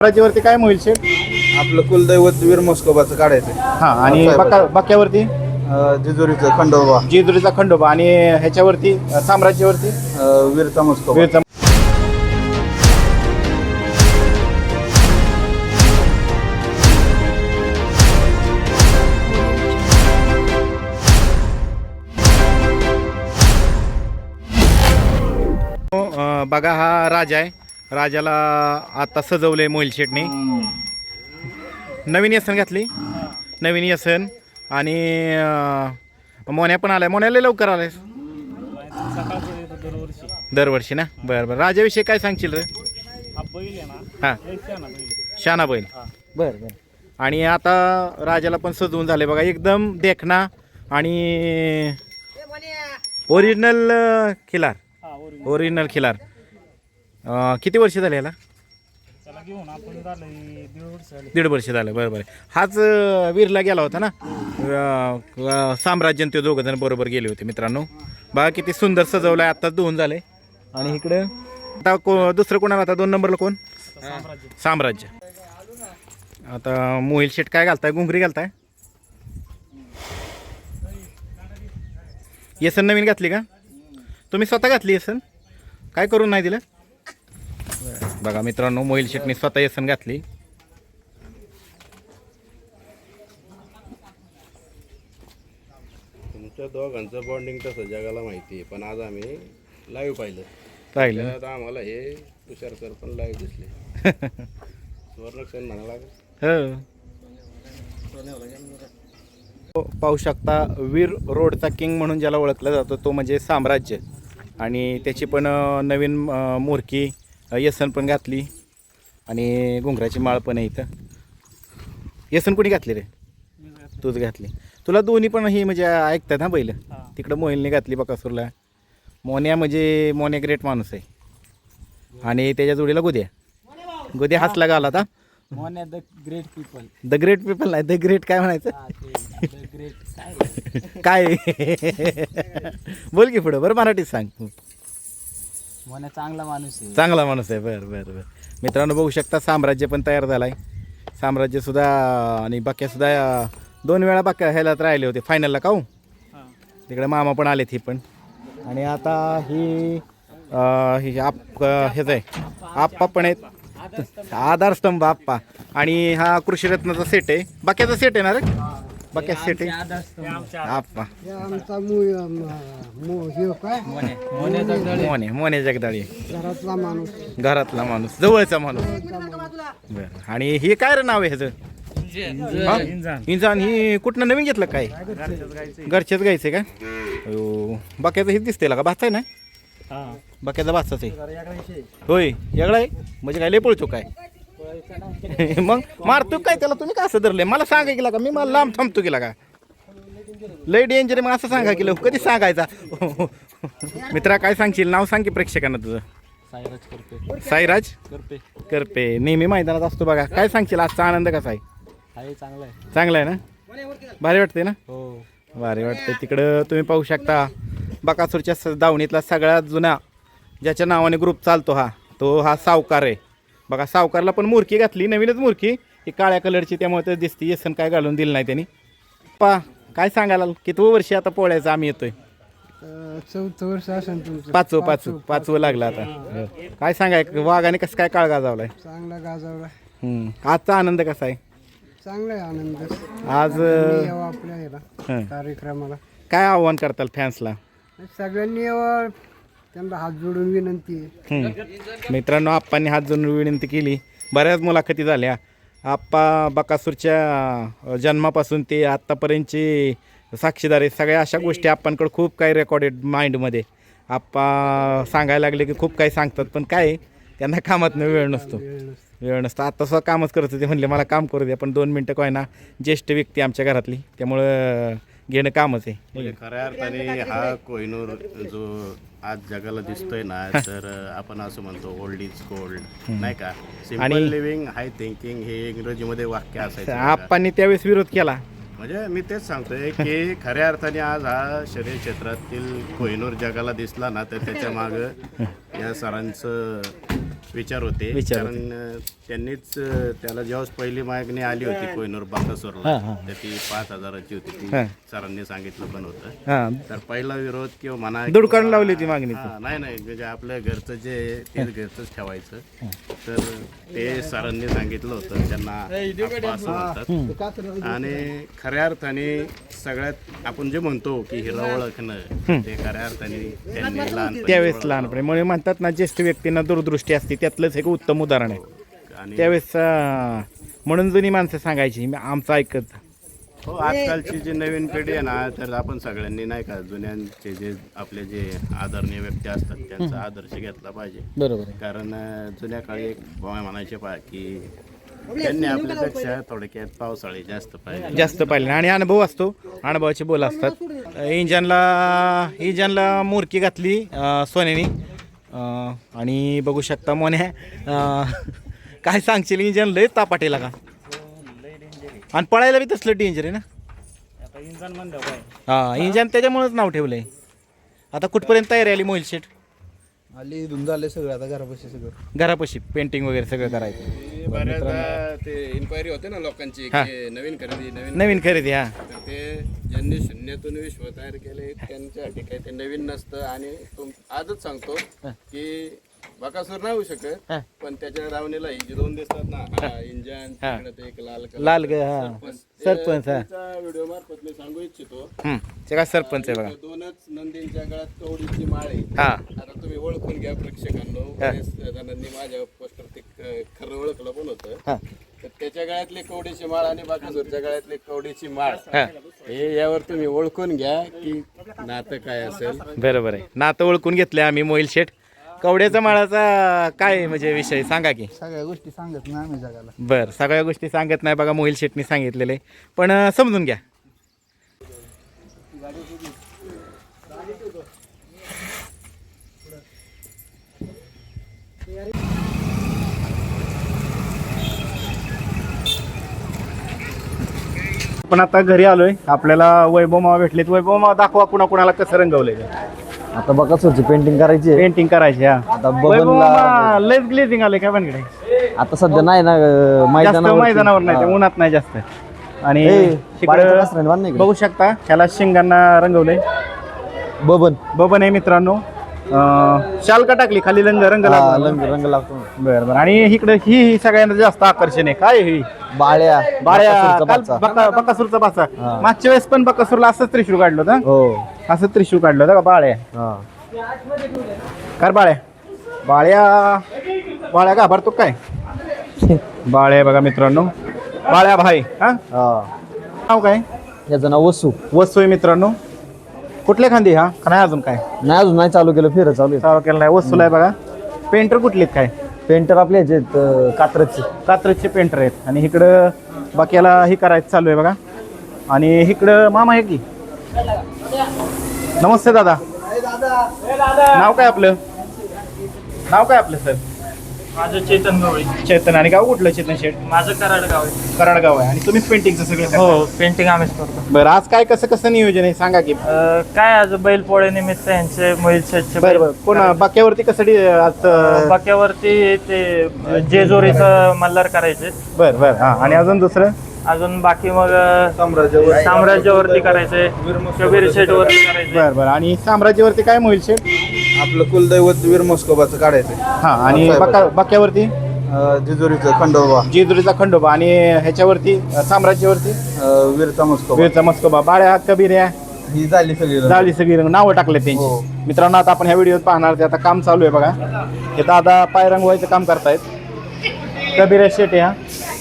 राज्यावरती काय मोहिल शेठ? आपलं कुलदैवत वीर मस्कोबाचं काढायचं. हा आणि बाक्यावरती जेजुरीचं खंडोबा, जेजुरीचा खंडोबा आणि ह्याच्यावरती साम्राज्यावरती वीरचा मस्कोबा. वीरचा. बघा हा राजा आहे. राजाला आता सजवलंय मोहिल शेठने. नवीन यसन घातली, नवीन यसन आणि मोन्या पण आलाय. मोन्याला लवकर आलाय दरवर्षी ना. बरं बरं. राजाविषयी काय सांगशील रे? हां, शाना बैल. बरं बरं. आणि आता राजाला पण सजवून झाले बघा, एकदम देखना आणि ओरिजिनल खिलार. ओरिजिनल खिलार. किती वर्ष झाले याला? दीड वर्ष झालं. बरं बरं. हाच वीरला गेला होता ना, साम्राज्य ते दोघं जण बरोबर गेले होते मित्रांनो. बघा किती सुंदर सजवलं आहे. आत्ताच धुवून झाले. आणि इकडं आता दुसरं कोणाला? आता 2 नंबरला कोण? साम्राज्य. आता मोहिल शेठ काय घालताय? घुंगरी घालताय? येसन नवीन घातली का तुम्ही? स्वतः घातली येसन? काय करून नाही दिलं? बघा मित्रांनो, मोहिल शेठने स्वतः येसन घातली. तुमच्या दोघांचं बॉन्डिंग तसं जगाला माहिती आहे, पण आज आम्ही लाईव्ह पाहिलं. पाहिलं आम्हाला हे तुषार सर पण लाईव्ह दिसले. सुवर्णक्षण म्हणाला. हो, पाहू शकता वीर रोडचा किंग म्हणून ज्याला ओळखलं जातं तो म्हणजे साम्राज्य. आणि त्याची पण नवीन मोरकी येसन पण घातली आणि घुंगराची माळ पण आहे इथं. येसन कोणी घातली रे? तूच घातली. तुला दोन्ही पण ही म्हणजे ऐकतात ना बैल. तिकडं मोहिलने घातली बकासूरला. मोन्या म्हणजे मोन्या ग्रेट माणूस आहे. आणि त्याच्या जोडीला गोद्या. गोद्या हसला गाला आता. मोन्या the great people. The great people नाही, द ग्रेट काय म्हणायचं? काय बोल की पुढं. बरं मराठीत सांग. मोन्या चांगला माणूस आहे. चांगला माणूस आहे. बरं बरं बरं. मित्रांनो बघू शकता साम्राज्य पण तयार झाला आहे. साम्राज्यसुद्धा आणि बाक्यासुद्धा 2 वेळा बाक्या ह्यालाच राहिले होते फायनलला. का हो? तिकडे मामा पण आलेत ही पण. आणि आता ही हेच आहे, आप्पा पण आहेत. आधारस्तंभ आप्पा. आणि हा कृषीरत्नाचा सेट आहे. बाक्याचा सेट आहे ना रे? बाक्याचा सेट आहे आप्पा. मोने जगदाळी. घरातला माणूस, जवळचा माणूस. बरं. आणि हे काय रे नाव आहे ह्याचं? इंजान. ही कुठनं नवीन घेतलं काय? घरच्याच गायचं का? बाक्याचं हेच दिसतंय का? भाचा आहे ना? बाक्याचा भाचाच आहे. होय, वेगळा आहे म्हणजे काय? लय पळतो काय? मग मारतो काय त्याला? तुम्ही का असं धरलंय? मला सांगा गेला का? मी मला लांब थांबतो गेला का? लय डेंजर आहे मग असं सांगा गेलं. कधी सांगायचा? मित्रा काय सांगशील? नाव सांग की प्रेक्षकांना तुझं. साईराज करपे. साईराज करपे. करपे. नेहमी मैदानात असतो बघा. काय सांगशील? आजचा आनंद कसा आहे? चांगला आहे. चांगला आहे ना? भारी वाटते ना? हो, भारी वाटते. तिकडं तुम्ही पाहू शकता बकासूरच्या दावणीतला सगळ्यात जुना ज्याच्या नावाने ग्रुप चालतो हा सावकार आहे. बघा सावकारला पण मूर्की घातली, नवीनच मूर्की. ही काळ्या कलरची, त्यामुळे तर दिसते. येसन काय घालून दिलं नाही त्यांनी. काय सांगायला? कितवं वर्ष आता पोळ्याचं आम्ही येतोय? 4थं वर्ष असेल तुमचं. पाचवं लागलं आता. काय सांगाय वाघाने कसं काय काळ गाजवलाय? चांगला गाजवला. आजचा आनंद कसा आहे? चांगला आहे आनंद. आज आपल्या याला कार्यक्रमाला काय आव्हान करताल फॅन्सला? सगळ्यांनी यावं, त्यांना हात जोडून विनंती आहे. मित्रांनो, आप्पांनी हात जोडून विनंती केली. बऱ्याच मुलाखती झाल्या. आप्पा बकासूरच्या जन्मापासून ते आत्तापर्यंतची साक्षीदार आहे. सगळ्या अशा गोष्टी आप्पांकडे खूप काही रेकॉर्डेड माइंडमध्ये. आप्पा सांगायला लागले की खूप काही सांगतात, पण काय त्यांना कामातनं वेळ नसतो. आता स्वतः कामच करत होते. म्हणले मला काम करू द्या, पण 2 मिनटं काय ना. ज्येष्ठ व्यक्ती आमच्या घरातली, त्यामुळं घेणं कामच आहे. म्हणजे खऱ्या अर्थाने हा कोहिनूर जो आज जगाला दिसतोय ना, तर आपण असं म्हणतो ओल्ड इज गोल्ड, नाही का? सिम्पल लिव्हिंग, हाय थिंकिंग हे इंग्रजीमध्ये वाक्य असायचं. आप्पांनी त्यावेळेस विरोध केला. म्हणजे मी तेच सांगतोय की खऱ्या अर्थाने आज हा शरीर क्षेत्रातील कोहिनूर जगाला दिसला ना, तर त्याच्या मागं या सरांचं विचार होते. विचार कारण त्यांनीच त्याला जेव्हा पहिली मागणी आली होती कोहिनूर बाकासूरला, तर ती 5,000ची होती. ती सरांनी सांगितलं पण होतं. हा तर पहिला विरोध किंवा म्हणा दुडकावून लावली ती मागणी. नाही म्हणजे आपल्या घरचं जे तेच घरचंच ठेवायचं. तर ते सरांनी सांगितलं होतं त्यांना आप्पा असं म्हणतात. आणि खऱ्या अर्थाने सगळ्यात आपण जे म्हणतो की हिरा ओळखणं, ते खऱ्या अर्थाने त्यांनी लहानपणी त्यावेळेस लहानपणे म्हणून म्हणतात ना, ज्येष्ठ व्यक्तींना दूरदृष्टी असते, त्यातलंच एक उत्तम उदाहरण आहे. आणि त्यावेळेस म्हणून जुनी माणसं सांगायची आमचं ऐकत. हो, आजकालची जी नवीन पिढी आहे ना, तर आपण सगळ्यांनी नाही का जुन्यांचे जे आपले जे आदरणीय व्यक्ती असतात त्यांचा आदर्श घेतला पाहिजे. बरोबर आहे. कारण जुन्या काळी एक म्हणायचे की त्यांनी आपल्यापेक्षा थोडक्यात पावसाळी जास्त पाहिले आणि अनुभव असतो, अनुभवाचे बोल असतात. इंजनला मोरकी घातली सोन्यानी. आणि बघू शकता मोन्या काय सांगशील, इंजन लय तापाटेला का, आणि पळायला बी तसलं डेंजर आहे ना. हा, इंजन त्याच्यामुळेच नाव ठेवलंय. आता कुठपर्यंत तयारी आली मोहिल शेठ? आली धुंद झाले सगळं, आता घरापाशी सगळं, घरापाशी पेंटिंग वगैरे सगळं करायचं. बऱ्याचदा ते इन्क्वायरी होते ना लोकांची की नवीन खरेदी. हा, तर ते ज्यांनी शून्यातून विश्व तयार केले त्यांच्यासाठी काही ते नवीन नसतं. आणि आजच सांगतो की बकासूर नाही होऊ शकत, पण त्याच्या दावणीला ही जी दोन दिसतात ना, इंजन ते एक लाल सरपंच. व्हिडिओ मार्फत मी सांगू इच्छितो, ते काय सरपंच आहे बघा. दोनच नंदींच्या गळ्यात कवडीची माळ आहे. हा, आता तुम्ही ओळखून घ्या प्रेक्षकांनो. बरेच जणांनी माझ्या पोस्टर ते खरं ओळखलं पण होतं. तर त्याच्या गळ्यातली कवडीची माळ आणि बकासूरच्या गळ्यातली कवडीची माळ, हे यावर तुम्ही ओळखून घ्या की नातं काय असेल. बरोबर आहे. नातं ओळखून घेतले आम्ही मोहिल शेठ. कवड्याचा माळाचा काय म्हणजे विषय सांगा की. सगळ्या गोष्टी सांगत नाही आम्ही जगाला. बरं, सगळ्या गोष्टी सांगत नाही बघा, मोहिल शेठनी सांगितलेले, पण समजून घ्या. पण आता घरी आलोय, आपल्याला वैभव मामा भेटलेत. वैभव मामा दाखवा कुणाला कसं रंगवलंय. आता बकासूरची पेंटिंग करायची, पेंटिंग करायची. हा, आता वैभव मामा लयच ग्लेझिंग आले काय बनकडे. आता सध्या नाही ना मैदानावर नाही, ते उन्हात नाही जास्त. आणि इकडं बघू शकता ह्याला शिंगांना रंगवलंय. बबन आहे मित्रांनो. शाल का टाकली खाली, रंग रंग लागतो. बरं. आणि इकडं ही सगळ्यांना जास्त आकर्षण आहे. काय ही बाळ्या बकासूरचा बाचा. मागच्या वेळेस पण बकासूरला असंच त्रिशूळ काढलं होतं. हो, असं त्रिशूळ काढलं होतं का बाळ्या. कर बाळ्या घाबरतो काय. बाळ्या बघा मित्रांनो, बाळ्या भाई. हा, नाव काय याचं नाव वसू आहे मित्रांनो. कुठल्या खांदी हा का नाही अजून काय नाही, अजून नाही चालू केलं, फिरत चालू केलं नाही. वस्तूला आहे बघा. पेंटर कुठले काय? पेंटर आपले ह्याचे कात्रजचे पेंटर आहेत. आणि इकडं बाकीला हे करायचं चालू आहे बघा. आणि इकडं मामा आहे की. नमस्ते दादा. नाव काय आपलं सर? माझं चेतन गवळी. चेतन. आणि गाव कुठलं चेतन शेठ? माझं कराडगाव आहे. कराडगाव आहे. आणि तुम्हीच पेंटिंगचं सगळं करता? हो, पेंटिंग आम्हीच करतो. बरं, आज काय कसं नियोजन आहे सांगा की. काय आज बैलपोळे निमित्त यांचे मोहिल शेठचे बरं. कोण बाक्यावरती कसं आज बाक्यावरती ते जेजोरीचं मल्हार करायचे. बरं. हा, आणि अजून दुसरं अजून बाकी मग साम्राज्यावरती करायचे, कबीर शेठ वरती करायचे. बरं. आणि साम्राज्यावरती काय मोहिल शेठ? आपलं कुलदैवत वीर मोस्कोबाचं काढायचं. हा, आणि बाक्यावरती जेजुरीचा खंडोबा. आणि ह्याच्यावरती साम्राज्यावरती वीरचा मस्कोबा. बाळ्या कबीर ही झाली सगळी नावं टाकले त्यांची. मित्रांनो, आता आपण ह्या व्हिडिओत पाहणार ते आता काम चालू आहे बघा. हे दादा पाय रंगवायचं काम करतायत. कबीर शेठ हा.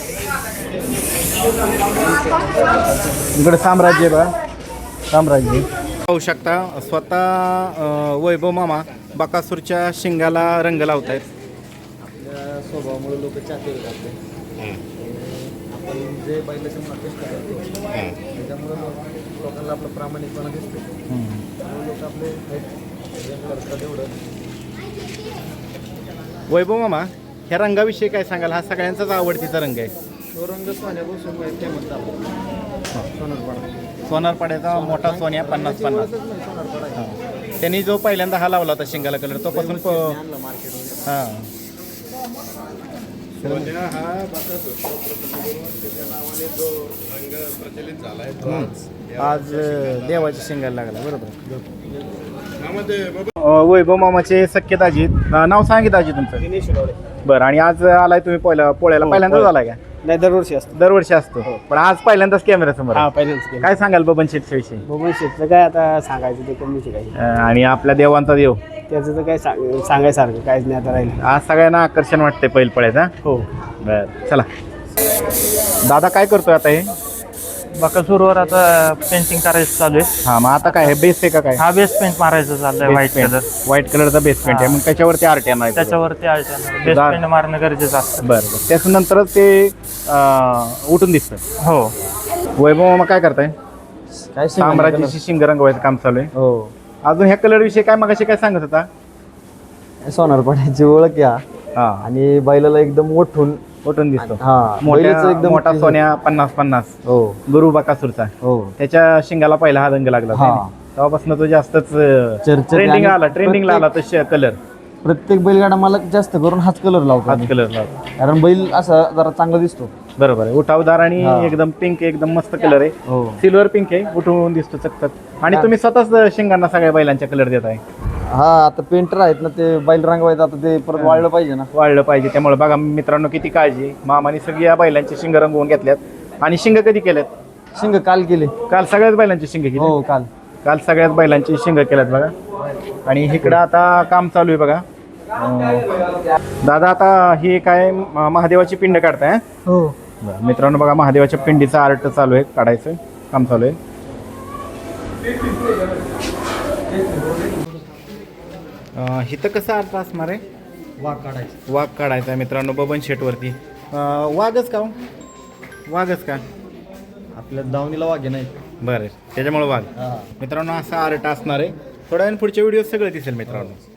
इकडे साम्राज्य बघा, साम्राज्य पाहू शकता. स्वतः वैभव मामा बकासूरच्या शिंगाला रंग लावत आहेत. आपल्या स्वभावामुळे लोक चाकरी करतात. आपण जे बैलाच्या मार्केट करतो त्याच्यामुळे लोकांना आपला प्रामाणिकपणा दिसतो. लोक आपले करतात. एवढं वैभव मामा, ह्या रंगाविषयी काय सांगाल? हा सगळ्यांचाच आवडतीचा रंग आहे. तो रंग सोन्यापासून फेमस झाला. सोनारपाड्याचा मोठा सोन्या 50-50. त्यांनी जो पहिल्यांदा हा लावला होता शिंगाला कलर, तो पासून हां सोन्या हा बकासूरचा त्याच्या नावाने जो रंग प्रचलित झालाय तो आज देवाच्या शिंगाला लागला बरोबर. त्यामध्ये वैभव मामाचे सख्य दाजी नाव सांगित दाजी तुमचं. बरं, आणि आज आलाय तुम्ही पोळ्याला पहिल्यांदाच आलाय का? नाही, दरवर्षी असतो. दरवर्षी असतो, पण आज पहिल्यांदाच कॅमेरा समोर. पहिल्यांदाच काय सांगाल बबन शेटच्या विषयी? बबन शेटचं काय आता सांगायचं ते कमीच आहे काही. आणि आपल्या देवांचा देव त्याचं तर काय सांगायसारखं काहीच नाही आता राहिलं. आज सगळ्यांना आकर्षण वाटते बैल पळायचा. हो. बर, चला दादा काय करतोय आता हे? बकासूरवर आता पेंटिंग करायचं चालू आहे. हा, मग आता काय हे बेस आहे का काय? हा बेस पेंट मारायचं चाललंय, व्हाईट कलर. व्हाईट कलरचा बेस पेंट आहे, मग त्याच्यावरती आर्ट येणार. त्याच्यावरती बेस पेंट मारणं गरजेचं असतं. बरं, त्याच्यानंतरच ते उठून दिसतं. हो. वैभव मामा काय करताय? काय साम्राज्याची शिंग रंगवायचं काम चालू आहे. हो. अजून ह्या कलर विषयी काय मगाशी काय सांगत होता? सोनारपाड्याची ओळख या हा, आणि बैलाला एकदम उठून दिसतो. बैलाचं एकदम मोठा सोन्या 50-50 हो गुरु बकासूरचा, हो. त्याच्या शिंगाला पहिला हा रंग लागला हा. होता. तेव्हापासून तो जास्तच चर्चेत ट्रेंडिंग आणि ट्रेंडिंगला आला तो कलर. प्रत्येक बैलगाडा मला जास्त करून हाच कलर लावतो हाच कलर लावला. कारण बैल असा जरा चांगला दिसतो. बरोबर आहे, उठावदार आणि हा. एकदम पिंक, एकदम मस्त कलर आहे. हो. सिल्वर पिंक आहे, उठून दिसतो चकचक. आणि तुम्ही स्वतःच शिंगांना सगळ्या बैलांच्या कलर देत आहे. हा, आता पेंटर आहेत ना ते बैल रंगवायचं, आता ते परत वाळलं पाहिजे ना. वाढलं पाहिजे, त्यामुळे बघा मित्रांनो किती काळजी आहे. मामाने सगळी या बैलांची शिंग रंगवून घेतल्यात. आणि शिंग कधी केल्यात? शिंग काल केले. काल सगळ्याच बैलांची शिंग केली. हो, काल. काल सगळ्याच बैलांची शिंग केल्यात बघा. आणि इकडं आता काम चालू आहे बघा. दादा आता हे काय महादेवाची पिंड काढताय? हो. बरं, मित्रांनो बघा महादेवाच्या पिंडीचं आर्ट चालू आहे, काढायचं काम चालू आहे. इथं कसं अर्थ असणार आहे? वाघ काढायचं. वाघ काढायचा आहे मित्रांनो बबन शेटवरती. वाघच का हो? वाघच का? आपल्या दावणीला वाघे नाही. बरं, त्याच्यामुळे वाघ. मित्रांनो असा आर्ट असणार आहे. थोड्या वेळ पुढच्या व्हिडिओ सगळं दिसेल मित्रांनो.